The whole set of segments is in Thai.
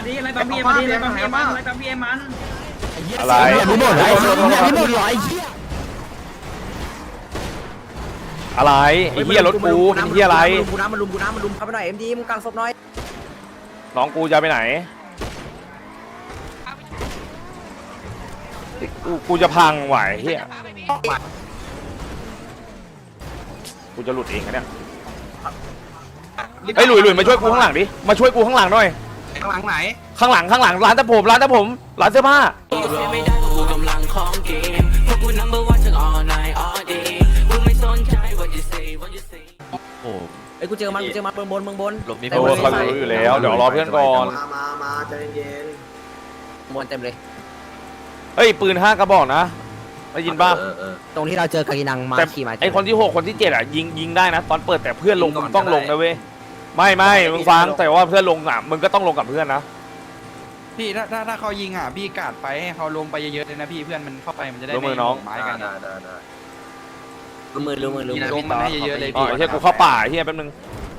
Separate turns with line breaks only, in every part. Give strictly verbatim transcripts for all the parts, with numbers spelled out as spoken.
ดิอะไรปั๊มพีเอ็มมาดิอะไรปั๊มพีเอ็มมันอะไรปั๊มพีเอ็มมัน
อะไร
มีหมดไอ้เหี้ยมีหมดหรอไอ้เหี้ย
อะไรไอ้เหี้ยรถกูไอ้เหี้ยอะไร
กูน้ำมันลุมกูน้ำมันลุมเข้าไปหน่อยเอ็มดีมึงกลางศพหน่อย
น้องกูจะไปไหนกูกูจะพังไหวเฮียกูจะหลุดเองนะเนี่ยไอ้หลุยหลุยมาช่วยกูข้างหลังดิมาช่วยกูข้างหลังหน่อย
ข้างหลังไหน
ข้างหลังข้างหลังร้านตัดผมร้านตัดผมร้านเสื้อผ้า
ไอ้กูเจอมันกูเจอมันเมืองบนเมืองบน
โอ้เขารู้อยู่แล้วเดี๋ยวรอเพื่อนก่อน
มามามาใจเย็น
บนเต็มเลย
เฮ้ยปืนห้ากระบอกนะได้ยินป่ะ
ตรงที่เราเจอกากินังมา
แต่
ขี่มา
ไอคนที่หกคนที่เจ็ดอ่ะยิงยิงได้นะตอนเปิดแต่เพื่อนลงมึงต้องลงนะเว้ยไม่ไม่มึงฟังแต่ว่าเพื่อนลงอ่ะมึงก็ต้องลงกับเพื่อนนะ
พี่ถ้าถ้าถ้าเขายิงอ่ะพี่กาดไปให้เขาลงไปเยอะๆเลยนะพี่เพื่อนมันเข้าไปมันจะได้
รู้มือน้อง
ไม้กัน
รู้มือรู้มือรู้มือ
ลงมันให้เยอะๆเลย
อ๋อ
พี่
ไอ้เหี้ยกูเข้าป่าไอ้เหี้ยแป๊บนึง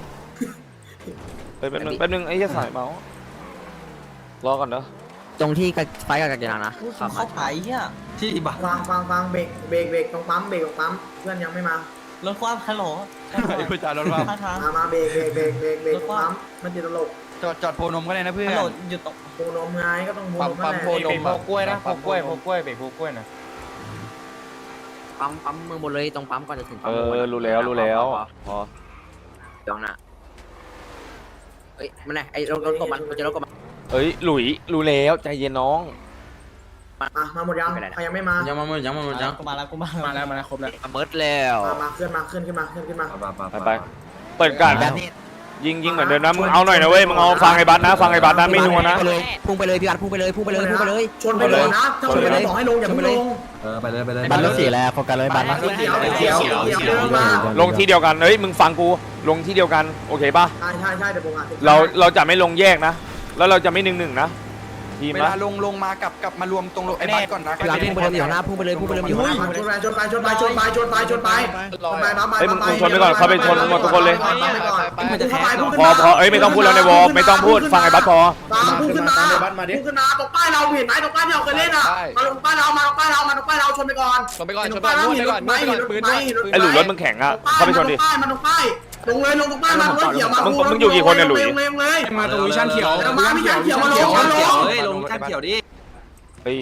เฮ้ยแป๊บนึงแป๊บนึงไอ้เหี้ยสายเมาส์รอก่อนเด้อ
ตรงที่ไฟกับกากินังนะ
เขาขายเนี่ย
ที่บ้า
ฟังฟังฟังเบรกเบรกเบรกตรงปั๊มเบรกตรงปั๊มเพื่อนยังไม่มาร
ถความฮัลโหล
ไอ้ผู้จ่ารถว่า
ท่าทาง
มามาเบรกเบรกเบรกเบรกเบรกตรงปั๊มมันติดตลก
จอดจอดโพนมก็ได้นะเพื่อน
ฮัลโหลหยุดตก
โพนมไงก็ต้องโพนม
ปั๊
นั่
ม
นแหละ
โพนม
โพกล้วยนะโพกล้วยโพกล้วยเบรกโพกล้วยนะ
ปั๊มปั๊มเมืองบนเลยตรงปั๊มก่อนจะถึงปั๊
เอ
ม
อรู้แล้วรู้แล้วพอ
เดี๋ยวนะเฮ้ยมันไงไอ้รถรถกบมันมันจะรถกบมัน
เอ้ยหลุยรู้แล้วใจเย็นน้อง
มามาหมดยังใครยังไม่มา
ยังมาหมดยังมาหมดยัง
กูมาแล้วกูมา
มาแล้วมาแล้วครบแล้ว
เบิร์ดแล้ว
มามาเคลื่อนมาเคลื่อนขึ้นมาเคลื่อนขึ้นมา
ไปไปเปิดการยิงยิงเหมือนเดิมนะมึงเอาหน่อยนะเว้ยมึงเอาฟังไอ้บัสนะฟังไอ้บัสนะไม่นัวนะ
ไปเลยพุ่งไปเลยพี่บัตพุ่งไปเลยพุ่งไปเลยพุ่งไปเลย
ชนไปเลยนะถ้าชนไปเลยบอกให้ลงอย่าเพิ่งลง
บัตรรถสีแล้วโฟกัสเลยบัตร
เขียวเขียวเขียวเขียวมา
ลงที่เดียวกันเฮ้ยมึงฟังกูลงที่เดียวกันโอเคป่ะ
ใช่ใช่ใช่เดี๋ยวผมอ่าน
เราเราจะไม่ลงแยกนะ แล้วเราจะไม่หนึ่งหนึ่งนะทีม
เว
นะ
ลาลงลงมากลับกลับมารวมตรงไอ้บ้านก่อนนะ
พี่บัตพุ่งไปเลยอยู่หน้าพุ่งไปเลยพุ่งไปเลยอยู่หน้า
ชนไปชนไปชนไปชนไปชนไปชนไปชนไปมามา
เฮ้ยมึงมึงชนไปก่อนเข้าไปชนหมดทุกคนเลย
มันจะแทง
พอพอเอ้ยไม่ต้องพูดแล้วในวอลไม่ต้องพูดฟังไอ้บัสพอ
พุ่งขึ้นมาพุ่งขึ้นมาตรงป้ายเราเห็นไหมตรงป้ายที่เราเคยเล่นอ่ะมาตรงป้ายเรามาตรงป้ายเรามาตรงป้ายเราชนไปก่อน
ชนไปก่อนชนไปก่อนนวดไปก่อนนวดไปก่อนปืนด้วย
ไอ้หลุยรถมึงแข็งอ่ะเข้าไปชนดิ
ป้ายมาตรงป้ายลงเลยลงตรงป้ายมาลงเขียวมา
มึงมึงอยู่กี่คนเนี่ยหลุย
ลงเลยลงเลย
มาตรงวิชั่นเขียว
มาวิชั่นเขียวมาลงมาลง
เฮ้ยลงขั้นเขียวดิ
เฮ้ย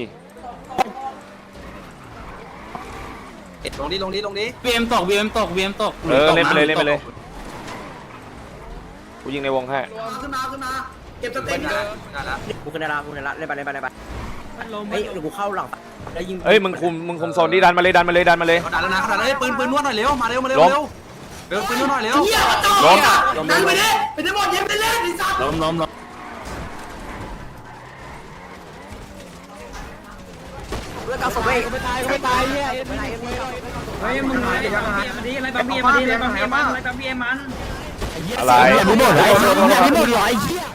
ลงดิลงดิลงดิ
วีเอ็มตกวีเอ็มตกวีเอ็มตก
เออเล่นไปเลยเล่นไปเลยกูยิงในวงให้
ขึ้นมาขึ้นมาเก็บสเต็ปนะ
พุ่งขึ้นได้ละพุ่งขึ้นได้ละเล่นไปเล่นไปเล่นไปเฮ้ยเดี๋ยวกูเข้าหลังแล้วยิง
เอ้ยมึงคุมมึงคุมโซนดิดันมาเลยดันมาเลยดันมาเลย
เขาด่าแล้วนะเขาด่าแล้วปืนปืนนวดหน่อยเร็วมาเร็วมาเร็วเร็วเร็วปืนนวดหน่อยเร็ว
เหี้ยมาจ่อเนี่ยดันไปดิไปได้หมดเย็บไปเล่นไอ้สัตว์
ล้มล้มล้ม
เรื่องการส่งไปไม่ตายไม่ตายเฮียไม่ตาย
เฮ้ยมึงอะไรปั๊มพีเอ็มมาดิอะไรปั๊มพีเอ็มมาดิอะไรปั๊มพีเอ็มมันอะไรปั๊มพีเอ็มมัน
อะไร
มีหมดไอ้เหี้ยมีหมดหรอไอ้เหี้ย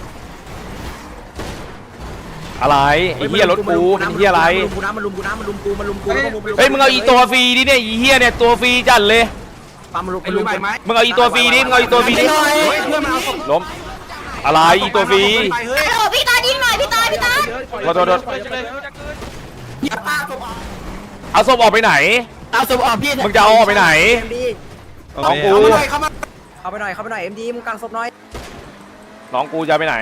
อะไรไอ้เหี้ยรถกูไอ้เหี้ยอะไร
กูน้ำมันลุมกูน้ำมันลุมกูมันลุมกู
เฮ้ยมึงเอาอีตัวฟรีดิเนี่ยอีเหี้ยเนี่ยตัวฟรีจัดเลย
ปั๊มมันลุม
ไอ้ลุงไปไหม
มึงเอาอีตัวฟรีดิมึงเอาอีตัวฟรีดิ
เพื่อนมันเอาศพ
ล้มอะไรอีตัวฟรี
ไปเฮ้ย
โอ้พี่ตายิงหน่อยพี่ตาพี่ตา
โทษโทษโทษเอาศพออกไปไหน
เอาศพออกพี่
มึงจะเอาออกไปไหน
เอ็มดี
น้องกู
เข้ามา
เข้าไปหน่อยเข้าไปหน่อยเอ็มดีมึงกางศพหน่อย
น้องกูจะไปไหน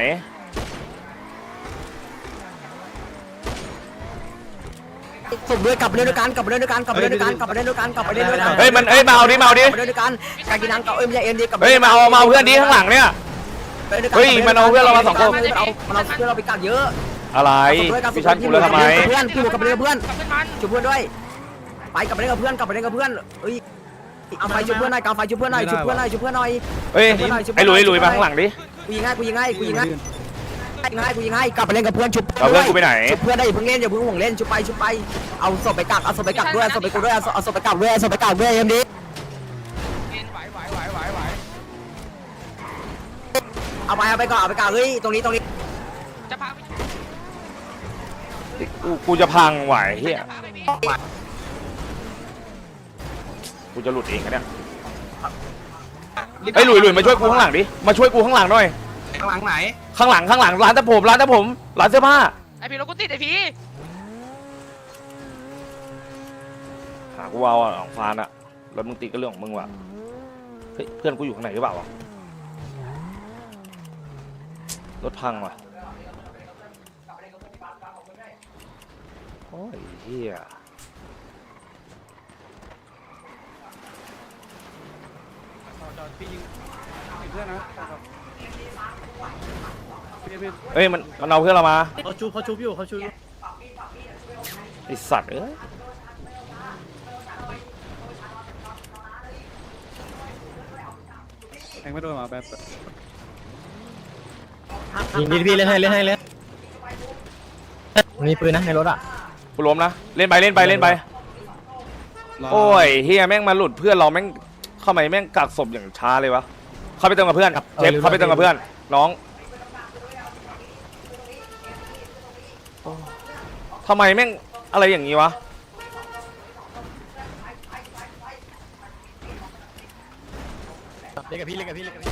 ศพด้วยกลับไปเล่นด้วยกันกลับไปเล่นด้วยกันกลับไปเล่นด้วยกันกลับไปเล่นด้วยกันกลับไปเล่นด้วยกัน
เฮ้ยมันเฮ้ยมาเอาดิมาเอาดิ
กลับไปเล่นด้วยกันการกินน้ำกับเอ็มดีเอ็มดีกลับ
เฮ้ยมาเอามาเอาเพื่อนดิข้างหลังเนี่ย เฮ้ยมันเอาเพื่อนเรามาสองคน
มันเอามันเอาเพื่อนเราไปกัดเยอะ
อะไรพิชันกูแล้วทำไม
เพื่อนพี่หมูกลับไปเล่นกับเพื่อนช่วยเพื่อนด้วยไปกลับไปเล่นกับเพื่อนกลับไปเล่นกับเพื่อนเฮ้ยเอาไฟช่วยเพื่อนหน่อยกางไฟช่วยเพื่อนหน่อยช่วยเพื่อนหน่อยช่วยเพื่อนหน่อย
เฮ้ยไอ้หลุยหลุยมาข้างหลังดิ
กูยิงให้กูยิงให้กูยิงให้ยิงให้กูยิงให้กลับไปเล่นกับเพื่อนชุบ
เอาเพื่อนกูไปไหน
ชุบเพื่อนได้อย่าเพิ่งเล่นอย่าเพิ่งห่วงเล่นชุบไปชุบไปเอาศพไปกักเอาศพไปกักด้วยเอาศพไปกูด้วยเอาเอาศพไปกักด้วยเอาศพไปกักด้วยเอ็มดีเอาไปเอาไปก่อนเอาไปกักเฮ้ยตรงนี้ตรงนี้
กูกูจะพังไหวเฮียกูจะหลุดเองนะเนี่ยไอ้หลุยหลุยมาช่วยกูข้างหลังดิมาช่วยกูข้างหลังหน่อย
ข้างหลังไหน
ข้างหลังข้างหลังร้านตะผมร้านตะผมร้านเสื้อผ้า
ไอพี่รถกูติดไอพี่
หากูเอาอ่ะของฟานอ่ะรถมึงติดก็เรื่องของมึงว่ะเฮ้ยเพื่อนกูอยู่ข้างไหนหรือเปล่าวะรถพังว่ะโอ้ยเฮียเอ้ยมันมันเอาเพื่อนเรามา
เขาชุบเขาชุบอยู่เขาชุบ
ไอสัตว์เอ้ย
แทงไม่โดนมาแบบ
ยิงดีพี่เล่นให้เล่นให้เล่นมีปืนนะในรถอ่ะ
กูล้มนะเล่นไปเล่นไปเล่นไปโอ้ยเฮียแม่งมาหลุดเพื่อนเราแม่งเข้ามาแม่งกักศพอย่างช้าเลยวะเข้าไปเติมกับเพื่อนเจ็บเข้าไปเติมกับเพื่อนน้องทำไมแม่งอะไรอย่างนี้วะ
เล่นกับพี่เล่นกับพี่เล่นกับพี่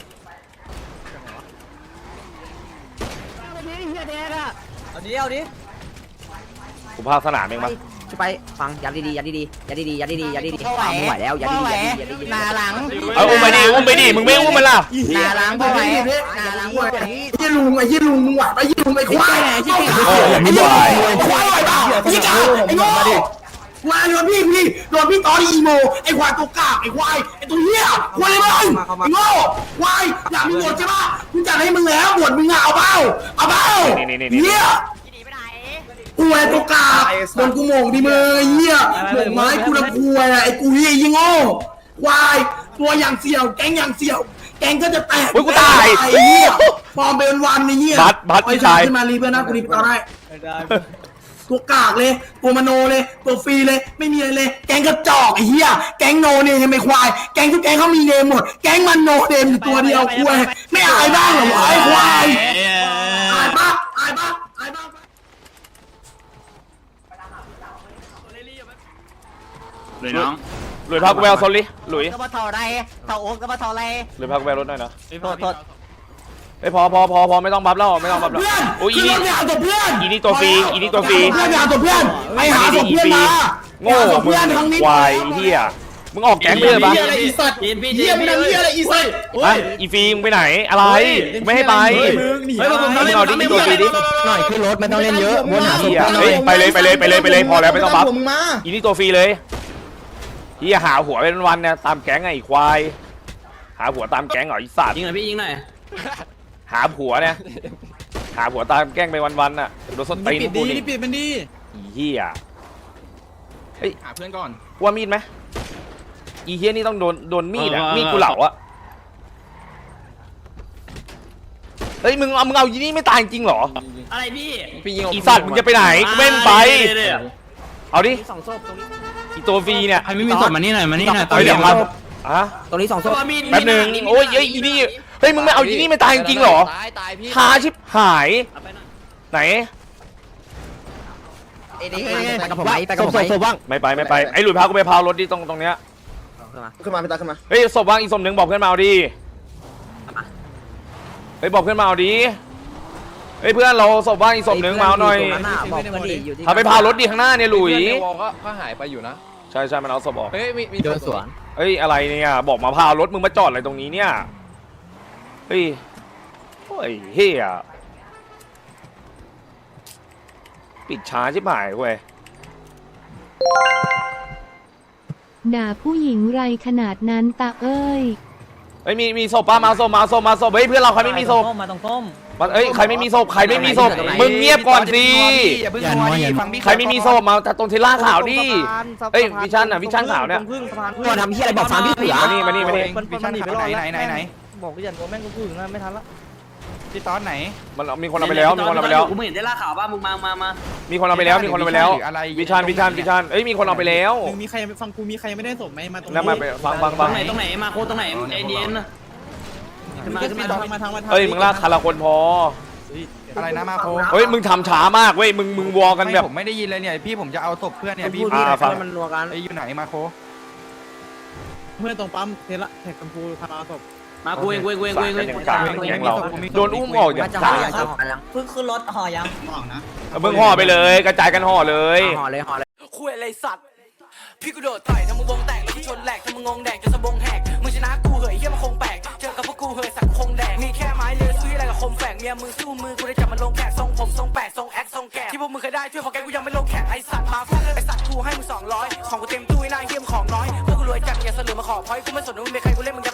เอาดิเอาดิ
กูพาสนามเองมา
ช่วยไปฟังยัดดีๆยัดดีๆยัดดีๆยัดดีๆยัดดีๆฟังไม่ไหวแล้วยัดดีๆยัดดีๆหน้าหลัง
เอาอุ้มไปดิอุ้มไปดิมึงไม่อุ้มมันล่ะ
หน้าหลังพอไหวหน้าหลังพอไหว
ไอ้ลุงไอ้ยี่ลุงมึงไหวไอ้ยี่ลุงไอ้ควายไอ้ยี่
โอ้ยไม่ไหว
ควายเปล่าไอ้ยี่กาไอ้โง่ควายโดนพี่พี่โดนพี่ตอนอีโมไอ้ควายตัวกากไอ้ควายไอ้ตัวเหี้ยควายเลยมึงไอ้โง่ควายอยากมีบทใช่ปะกูจัดให้มึงแล้วบทมึงอะเอาเปล่าเอาเปล่าเหี้ยกูไอ้ตัวกากโดนกูโมงดิมึงไอ้เหี้ยโมงไม้กูละควายไอ้กูเหี้ยยี่โง่ควายตัวอย่างเสี่ยวแก๊งอย่างเสี่ยวแกงก็จะแตก
โอ้ยกูตาย
ไอ้เหี้ยฟอร์มเป็นวันไอ้เหี้ย
บัสบัสพี่ชาย
ขึ้นมารีเพื่อนนะกูรีบเอาได้ตัวกากเลยตัวมโนเลยตัวฟรีเลยไม่มีอะไรเลยแกงกระจอกไอ้เหี้ยแกงโนเนมไม่ควายแกงทุกแกงเขามีเนมหมดแกงมันโนเนมอยู่ตัวเดียวควายไม่อายบ้างเหรอวะไอ้ควายอายปะอายปะอายปะ
เลยน้อง
หลุยพากูไปเอาโซลิหลุย
ก็มาถอดอะไรถอดโอ๊กก็มาถอดอะไร
หลุยพากูไปเอารถหน่อยนะ
โทษโทษ
เฮ้ยพอพอพอพอไม่ต้องบัฟแล้วไม่ต้องบัฟแล้ว
เพื่อน
โอ้ยอี
ขึ้น
นี่
รถไปหาตัวเพื่อน
อีนี่ตัวฟรีอีนี่ตัวฟรี
เพื่อนไปหาตัวเพื่อนไปหาตัวเพื่อนมา
โง่
หาตัว
มึ
เพื่อน
ง
ครั้งนี้
ควายเฮียมึงออกแก๊งเลยปะ
เหี้ยอะไรอีสัตว์เหี้ยมึงทำเหี้ยอะไรอีสัตว์
ฮะอีฟีมึงไปไหนอะไรกูไม่ให้ไป
เฮ้ยผม
มึงเอาดิตัวฟรีดิ
หน่อยขึ้นรถไม่ต้องเล่นเยอะวนหา
เฮียเฮ้ยไปเลยไปเลยไปเลยไปเลยพอแล้วไม่ต้องบัฟ
มึงมา
อีนี่ตัวฟรีเลยเฮียหาหัวเป็นวันเนี่ยตามแก๊งไงไอ้ควายหาหัวตามแก๊งเหรอไอีสัตว์
ยิงหน่อยพี่ยิงหน่อย
หาผัวเนี่ยหาผัวตามแกล้งไปวันๆน่ะโดนส้นตีนกูนี่
ปิดมันดี
อีเหี้ยเฮ้ย
หาเพื่อนก่อน
ว่ามีดไหมอีเหี้ยนี่ต้องโดนโดนมีดอ่ะมีดกูเหล่าอ่ะเฮ้ยมึงเอามึงเอาอีนี่ไม่ตายจริงเหรอ
อะไรพี่
พี่ยิง
อีสัตว์มึงจะไปไหนกูเม่นไปเอาดิ
สองศพตรงนี้
อีตัวฟรีเนี่ย
ใครไม่มีศพมานี่หน่อยมานี่หน่อย
เอาเดี๋ยวมาอะ
ตรงนี้สองศพ
แป๊บหนึงโอ้ยเอ้ยอีนี่เฮ้ยมึงไม่เอาอีนี่ไม่ตายจริงเหรอ
ตายตายพี่
หาชิบหายไหน
ไปกับผมไหมไปกับผมไหม
ไม่ไปไม่ไปไอ้หลุยพากูไปพาวรถดิตรงตรงเนี้ย
ขึ้นมาพี่ตาขึ้นมา
เฮ้ยศพว่างอีกศพหนึ่งบอกเพื่อนมาเอาดิเฮ้ยบอกเพื่อนมาเอาดิเฮ้ยเพื่อนเราศพว่างอีกศพหนึ่งมาเอาหน่อย
บอกเพื่อนดิอยู่ที่
พาไปพารถดิข้างหน้าเนี่ยหลุย
ในวอลก็ก็หายไปอยู่นะ
ใช่ใช่มันเอาศพออก
เฮ้ยมีมี
เดินสวน
เฮ้ยอะไรเนี่ยบอกมาพารถมึงมาจอดอะไรตรงนี้เนี่ยเฮ้ยโอ้ยเฮียปิดช้าชิบหายเว้ย
ด่าผู้หญิงไรขนาดนั้นตาเอ้ย
เฮ้ยมีมีศพป้ามาศพมาศพมาศพเฮ้ยเพื่อนเราใครไม่มีศพ
มาตรงต้ม
มาเอ้ยใครไม่มีศพใครไม่มีศพมึงเงียบก่อนสิ
อย่าเพิ่งนัวดิฟังพี่
ใครไม่มีศพมาตรงเทล่าขาวดิเอ้ยวิชันอ่ะวิชันขาวเนี่ย
มาทำที่อะไรบอกฟังพี่เสือ
มานี่มานี่มานี่
วิชั่นขาวไหนไหนไหนไหน
บอกพี่ยันตัวแม่งกูพูดนะไม่ทันละ
พี่ตอนไหน
มันมีคนเอาไปแล้วมีคนเอาไปแล้ว
กูไม่เห็นได้ล่าข่าวบ้ามึงมามามา
มีคนเอาไปแล้วมีคนเอาไปแล้ววิชันวิชันวิชันเอ้ยมีคนเอาไปแล้ว
มีใครฟังกูมีใครไม่ได้ศพไหมมาตรง
แล้วมาไปฟังฟัง
ต
ฟั
รง งไหนตรงไหนมาโคตรงไหนไอเดียนนะ
มาทางมาทางมาทาง
เอ้ยมึงลากคาราคนพอ
อะไรนะมาโค
เฮ้ยมึงทำช้ามากเว้ยมึงมึงวอกันแบบ
ผมไม่ได้ยินเลยเนี่ยพี่ผมจะเอาศพเพื่อนเนี่ยพี่
อ่าฟัง
มันรัวกัน
ไอ้อยู่ไหนมาโค
เพื่อนตรงปั๊มเทละแท็กกัมพูพาศพ
มากูเองกูเองกูเองกูเองกูเอง
กากแก๊งเราโดนอุ้มออกอย่าง
จะ
กา
ห่อก อย่างจะห่อยัง
เพิ่งขึ้นรถห่อยัง
มึงห่อไปเลยกระจายกันห่อเลย
ห่อเลยห่อเลย
คุยอะไรสัตว์พี่กูโดดต่อยทำมึงวงแตกแล้วกูชนแหลกทำมึงงงแดกจนสะบงแหกมึงชนะกูเหยเหี้ยมันคงแปลกเจอกับพวกกูเหยสักคงแดกมีแค่ไม้เลือซื้ออะไรกับคมแฝกเมียมึงสู้มือกูได้จับมันลงแขกทรงผมทรงแปดทรงแอคทรงแกะที่พวกมึงเคยได้ช่วยของแกกูยังไม่ลงแขกไอสัตว์มาฟาดไอสัตว์กูให้มึงสองร้อยของกูเต็มตู้ไอ้หน้าเหี้ยมของน้อยพวกกูรวยจัดอย่าเสลือมาขอพอยกูไม่สนว่ามึงเป็นใครกูเล่นมึง